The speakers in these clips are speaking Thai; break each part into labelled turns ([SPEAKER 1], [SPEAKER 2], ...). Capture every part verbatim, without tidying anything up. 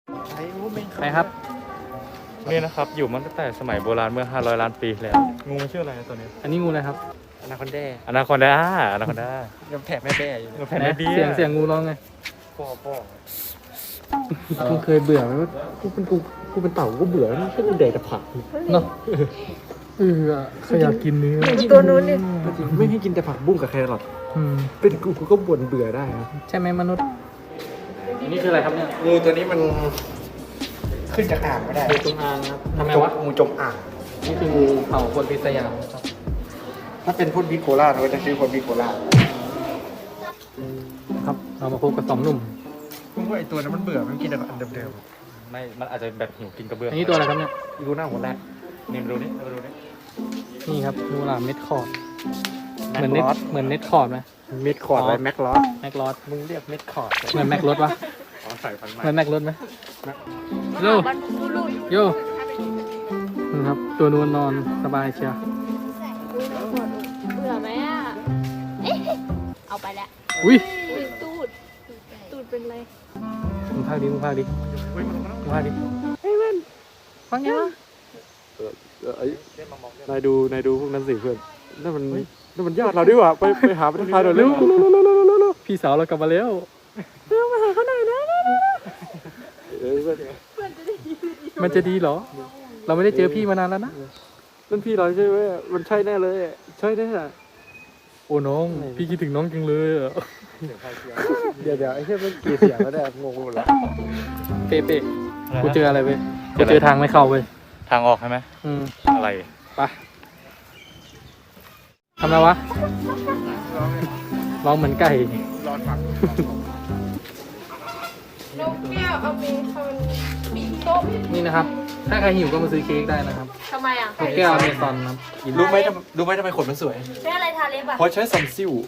[SPEAKER 1] ใครครับ
[SPEAKER 2] นี่นะครับอยู่มาตั้งแต่สมัยโบราณเมื่อห้าร้อยล้านปีแล้วงูมันชื่ออะไรตัวนี้
[SPEAKER 1] อันนี้งูอะไรครับ
[SPEAKER 3] อนาคอนแด
[SPEAKER 2] อนาคอนดาอนาคอนดา
[SPEAKER 3] ยังแผ่แม่แบ่อยู่
[SPEAKER 2] แผ่นไม่ดี
[SPEAKER 1] เสียงเสียงงูร้องไง
[SPEAKER 2] พ่อพ่อ
[SPEAKER 3] มึงเคยเบื่อไหมว่ากูเป็นกูกูเป็นเต่ากูเบื่อไม่ใช่กูแดกแต่ผัก
[SPEAKER 1] เนาะ
[SPEAKER 3] เออใครอยากกินเนื้อ
[SPEAKER 4] ตัวนู้นนี่
[SPEAKER 3] จริงไม่ให้กินแต่ผักบุ้งกับแครอท
[SPEAKER 1] อืม
[SPEAKER 3] เป็นกูกูก็บ่นเบื่อได้นะ
[SPEAKER 1] ใช่ไหมมนุษย์อันนี้คืออะไรครับเนี่ย
[SPEAKER 3] งูตัวนี้มันขึ้นจากอ่างไม่ได้
[SPEAKER 1] งูจงอางครับทำไมวะ
[SPEAKER 3] งูจงอ่าง
[SPEAKER 1] นี่คืองูเห่าคนพิษยาครับ
[SPEAKER 3] ถ้าเป็นพ่นพิษโคราชเราก็จะชื่อพ่นพิษโคราช
[SPEAKER 1] ครับเรามาพบกับสองหนุ่ม
[SPEAKER 3] ผมว่าไอตัวนั้นมันเบื่อมันกินแต่อันเดิม
[SPEAKER 2] ไม่มันอาจจะแบบหิวกินกระเบื้อง
[SPEAKER 1] อันนี้ตัวอะไรครับเนี่ย
[SPEAKER 3] ๆดูหน้าหัวแรก
[SPEAKER 2] นี่มาดูนี่มาดูนี่
[SPEAKER 1] นี่ครับงูหลามเม็ดคอร์ด
[SPEAKER 3] แม็
[SPEAKER 1] เหมือน
[SPEAKER 3] ก
[SPEAKER 1] เน็ต
[SPEAKER 3] ลอส
[SPEAKER 1] เหมือนเน็ตคอร์ดไหม
[SPEAKER 3] เม็ดคอร์ดอะไรแม็กลอส
[SPEAKER 1] แม็กลอส
[SPEAKER 3] มึงเรียกเม็ดคอร์ด
[SPEAKER 1] เหมือนแม็กรถปะ
[SPEAKER 2] ขอใส่ฟันใหม่
[SPEAKER 1] เหมือนแม็กรถไหมโย
[SPEAKER 4] บรรพบุรุษ
[SPEAKER 1] โยนี่ครับตัวนวลนอนสบายเชียว
[SPEAKER 4] เบื่อไหมอ่ะเอ๊ะเอาไปแล้ว
[SPEAKER 1] อุ้ย
[SPEAKER 4] ตูด ตูดเป็นไร
[SPEAKER 1] มึงพากดิมึงพากดิมึงพากดิเฮ้ยมันฟังยังวะ
[SPEAKER 3] นายดูนายดูพวกนั้นสิเพื่อนนั่นมันนั่นมันญาติเราด้วยว่ะไปไปหาประธานหน่อยเร็ว
[SPEAKER 1] พี่สาวเรากลับมาแล้ว
[SPEAKER 3] เออเพื่อน
[SPEAKER 1] มันจะดีเหรอ เราไม่ได้เจอพี่มานานแล้วนะ
[SPEAKER 3] นั่นพี่เราใช่ไหมมันใช่แน่เลยใช่แน่
[SPEAKER 1] โอ้น้อง พี่คิดถึงน้องจังเลยอะ
[SPEAKER 3] เดี๋ยวเดี๋ยวไอ้เชี่ยมันกี่เสียงแล้วเนี่ยงงหมดแล้ว
[SPEAKER 1] เป๊ะเป๊ะกูเจออะไรเว้ยกูเจอทางไม่เข้าเว้ย
[SPEAKER 2] ทางออกใช่ไหม
[SPEAKER 1] อืม
[SPEAKER 2] อะไร
[SPEAKER 1] ไปทำอะไรวะร้องเหมือนไก่
[SPEAKER 3] ร้อนฟัง
[SPEAKER 4] นกแก้วเอามีคอนมีโต๊ะ
[SPEAKER 1] นี่นะครับ ถ้าใครหิวก็มาซื้อเค้กได้นะครับ
[SPEAKER 4] ทำไมอ่ะ
[SPEAKER 1] นกแก้วอเมซอนครับกิน
[SPEAKER 3] รู้ไหมทำรู้ไหมทำไมขนมันสวย
[SPEAKER 4] ใช้อะไรทาเล็บอ่ะ
[SPEAKER 3] เพราะใช้ซัมซิล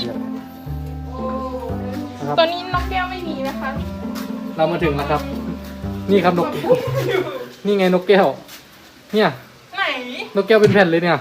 [SPEAKER 1] นะครับ
[SPEAKER 4] ตัวนี้นกแก้วไม่มีนะคะ
[SPEAKER 1] เรามาถึงแล้วครับ นี่ครับนกแก้ว นี่ไงนกแก้ว เนี่ย
[SPEAKER 4] ไหน
[SPEAKER 1] นกแก้วเป็นแผ่นเลยเนี่ย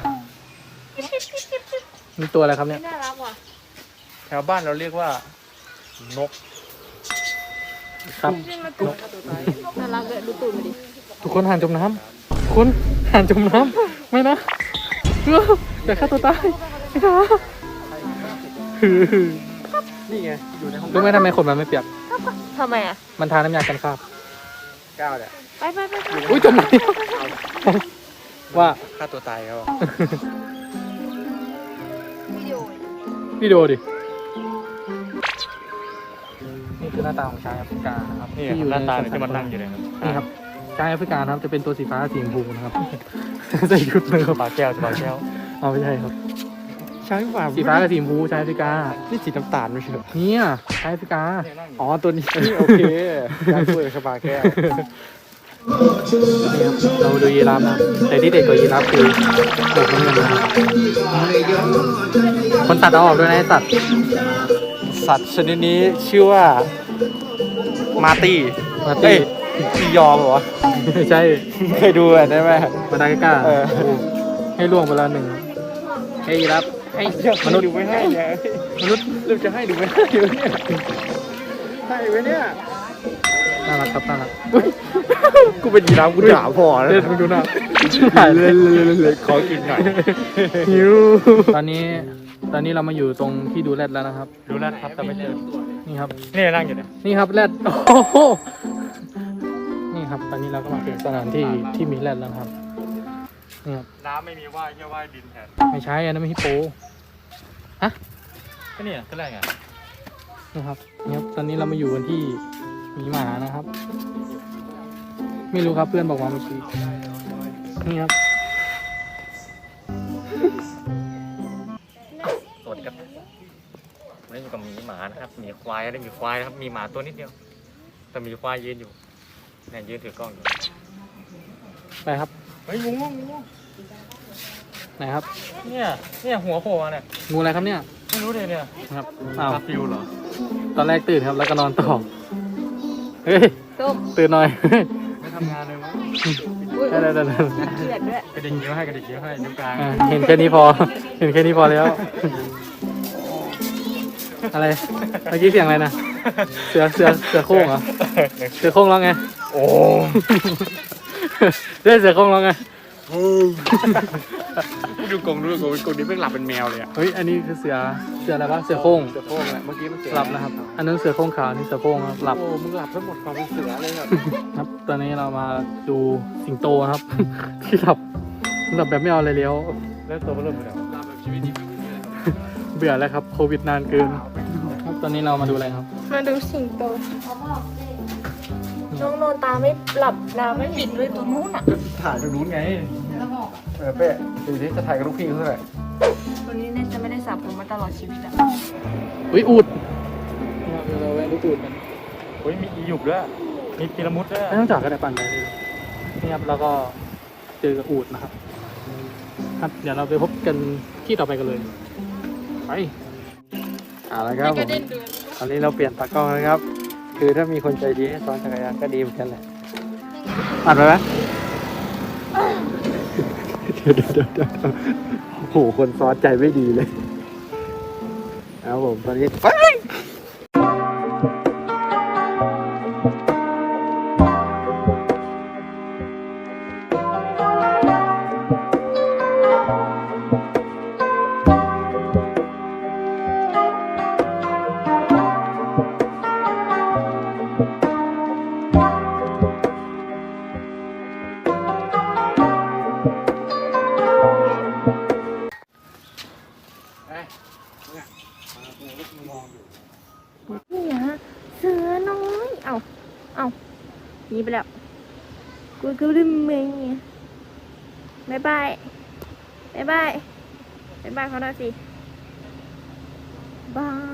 [SPEAKER 1] นี่ตัวอะไรครับเนี่ย
[SPEAKER 4] น่ารักว่ะ
[SPEAKER 3] แถวบ้านเราเรียกว่า นก
[SPEAKER 1] ครับ
[SPEAKER 4] นี่มาตูดน่ารักเลยดูตูดมาดิ
[SPEAKER 1] ทุกคนห่านจมน้ำทุกคนห่านจมน้ำไม่นะเอออย่าฆ่าตัวตายไม่นะฮือ
[SPEAKER 3] นี่ไงอยู่ในห้อง
[SPEAKER 1] รู้ไหมทำไมขนมันไม่เปียก
[SPEAKER 4] ทำไมอ่ะ
[SPEAKER 1] มันทาน้ำยากันคราบ
[SPEAKER 3] ก้าวเนี่ย
[SPEAKER 4] ไปไปไปไป
[SPEAKER 1] อุ้ยจมน้ำว่า
[SPEAKER 3] ฆ่าตัวตายเขา
[SPEAKER 4] วิดีโอ
[SPEAKER 1] วิดีโอดิ นี่คือหน้าตาของช้างแอฟริกานะครับ
[SPEAKER 2] นี่
[SPEAKER 1] ที่อยู่
[SPEAKER 2] หน้าตา
[SPEAKER 1] ใ
[SPEAKER 2] ที่มันนั่งอยู่เนี่ยครับ
[SPEAKER 1] นี่ครับช้างแอฟริกานะครับจะเป็นตัวสีฟ้าสีชมพูนะครับ ใส่ชุดเลยครับ
[SPEAKER 2] ปลาแก้วปลาแก้ว
[SPEAKER 1] เอาไม่ใช่ครับ
[SPEAKER 3] ช้างฝ่า
[SPEAKER 1] สีฟ้ากับสีชมพูช้างแอฟริกา
[SPEAKER 3] นี่สีน้ำตาลไม่ใช่เหรอ
[SPEAKER 1] เนี่ยช้างแอฟริกา
[SPEAKER 3] อ๋อตัวนี้ โอเคการช่วยชบาแก้ว
[SPEAKER 1] นี่ครับเราดูยีราฟนะครับแต่ที่เด็ดกว่ายีราฟคือโบกน้ำเงินนะครับคนตัดเอาออกด้วยนะไอ้สัตว์
[SPEAKER 3] สัตว์ชนิดนี้ชื่อว่ามาร์ตี้
[SPEAKER 1] มา
[SPEAKER 3] เอ้
[SPEAKER 1] ตี้
[SPEAKER 3] ยอียอมเหรอวะ
[SPEAKER 1] ไม่ใช่
[SPEAKER 3] เคยดูอ่ะได้ไหม
[SPEAKER 1] มาดากัสการ์
[SPEAKER 3] เออ
[SPEAKER 1] โอ้ให้ล่วงไปแล้วหนึ่งให้ยีราฟให้มนุษย์
[SPEAKER 3] ดูไม่ให้เนี่ย
[SPEAKER 1] มนุษย์
[SPEAKER 3] ลูกจะให้ดูไม่ให้อยู่เนี่ยให้ไว้เนี่ย
[SPEAKER 1] น่ารักครับน่ารัก
[SPEAKER 3] กูเป็นยีราฟกูด่าพอแล้ว
[SPEAKER 1] เล่นมึงดูหน้า
[SPEAKER 3] เล่นเล่นเล่นขอกินหน่อย
[SPEAKER 1] หิวตอนนี้ตอนนี้เรามาอยู่ตรงที่ดูแรดแล้วนะครับ
[SPEAKER 2] ดูแล้วครับแต่ไม่เจอ
[SPEAKER 1] นี่ครับ
[SPEAKER 2] นี่นั่งอยู่เนี่ย
[SPEAKER 1] นี่ครับแรดโอ้โหนี่ครับ ตอนนี้เราก็มาถึงสถานที่ที่มีแรดแล้วครับนี่ครับ
[SPEAKER 2] น้ำไม่มีว่ายแค่ว่ายดินแทน
[SPEAKER 1] ไม่ใช่อันนั้นไม่ฮิปโปฮะ
[SPEAKER 2] ก็เนี่ยก็แรกไง
[SPEAKER 1] นี่ครับนี่ครับ ตอนนี้เรามาอยู่กันที่หมีหมานะครับ ไม่รู้ครับเพื่อนบอกมาเมื่อกี้นี่ครับ
[SPEAKER 2] สวัสดีครับวันนี้อยู่กับหมีหมานะครับหมีควายได้หมีควายนะครับมีหมาตัวนิดเดียว แต่มีควายยืนอยู่เนี่ยยืนถือกล้องอยู่
[SPEAKER 1] ไปครับ
[SPEAKER 2] เฮ้ยงูงูงู
[SPEAKER 1] ไหนครับ
[SPEAKER 2] เนี่ยเนี่ยหัวโผล่มาเนี่ย
[SPEAKER 1] งูอะไรครับเนี่ย
[SPEAKER 2] ไม่รู้เลยเนี่ย
[SPEAKER 1] ครับอ้าว
[SPEAKER 2] คาฟิวเหรอ
[SPEAKER 1] ตอนแรกตื่นครับ แล้วก็นอนต่อเฮ้ย
[SPEAKER 4] ส้ม
[SPEAKER 1] ตื่นหน่อย
[SPEAKER 2] ไม่ทำงานเลยมั้ง
[SPEAKER 4] อุ้ย
[SPEAKER 1] ได้ได้ได้ได้
[SPEAKER 4] เกลียดด้วย
[SPEAKER 2] กระดิ่งนิ้วให้กระดิ่งนิ้วให้นิ้วกลาง
[SPEAKER 1] อ่ะเห็นแค่นี้พอ เห็นแค่นี้พอแล้ว อะไร เมื่อกี้เสียงอะไรนะ เสือ เสือ เสือโคร่งเหรอเสือโคร่งร้องไง
[SPEAKER 2] โอ้
[SPEAKER 1] เรื่องเสือโคร่งร้องไง
[SPEAKER 3] ดูกงดูกงกงนี้เพิ่งหลับเป็นแมวเลยอ่ะ
[SPEAKER 1] เฮ้ยอันนี้คือเสือเสืออะไรวะเสือโคร่ง
[SPEAKER 3] เสือโคร่งแหละเมื่อกี้มันเสือ
[SPEAKER 1] หลับนะครับ อันนั้นเสือโคร่งขาวอันนี่เสือโคร่งครับหลับ
[SPEAKER 3] โอ้มึงหลับทั้งหมดความเป็นเสือเลยครับ
[SPEAKER 1] ครับ ตอนนี้เรามาดูสิงโตครับ ที่หลับหลับแบบไม่เอาอะไรเลี้ยว
[SPEAKER 2] แล้วตัวมันเริ่มเป็นอะไร
[SPEAKER 3] หลับแบบชีวิตดีไม่มีอะไรครับ
[SPEAKER 1] เบื่อแล้วครับโควิดนานเกินครับตอนนี้เรามาดูอะไรครับ
[SPEAKER 4] มาดูสิงโตน้องนอนตาไม่หลับตาไม่ปิดด้วยตัวนู้นอ่ะ
[SPEAKER 3] ถ่ายตรงนู้นไงเออเป้ดูที่จะถ่ายกับลูกพี่เขาเท่าไหร่
[SPEAKER 4] ตัวนี้เนี่ยจะไม่ได้สระผมมาตลอดชีวิตอ่ะ
[SPEAKER 1] อุ้ยอูดเราแวะดูอูดกัน
[SPEAKER 2] เฮ้ยมีอีหยุบด้วยมีพีระมุดด้วย
[SPEAKER 1] ไม่ต้องจอดก็ได้ปั่นไปเลยนี่ครับแล้วก็เจอกับอูดนะครับ ครับเดี๋ยวเราไปพบกันที่ต่อไปกันเลยไปเอาละครับผมตอนนี้เราเปลี่ยนตากล้องนะครับ คือถ้ามีคนใจดีให้ซ้อนจักรยานก็ดีเหมือนกันแหละอัดไปไหมเดี๋ยวเดี๋ยวเดี๋ยวเดี๋ยวโอ้โหคนซ้อนใจไม่ดีเลยครับผมตอนนี้ไป
[SPEAKER 4] นี่ฮะเสือน้อยเอ้าเอ้าหนีไปแล้วกูก็ลืมมึงบายบายบายบายบายบายเขาหน่อยสิบาย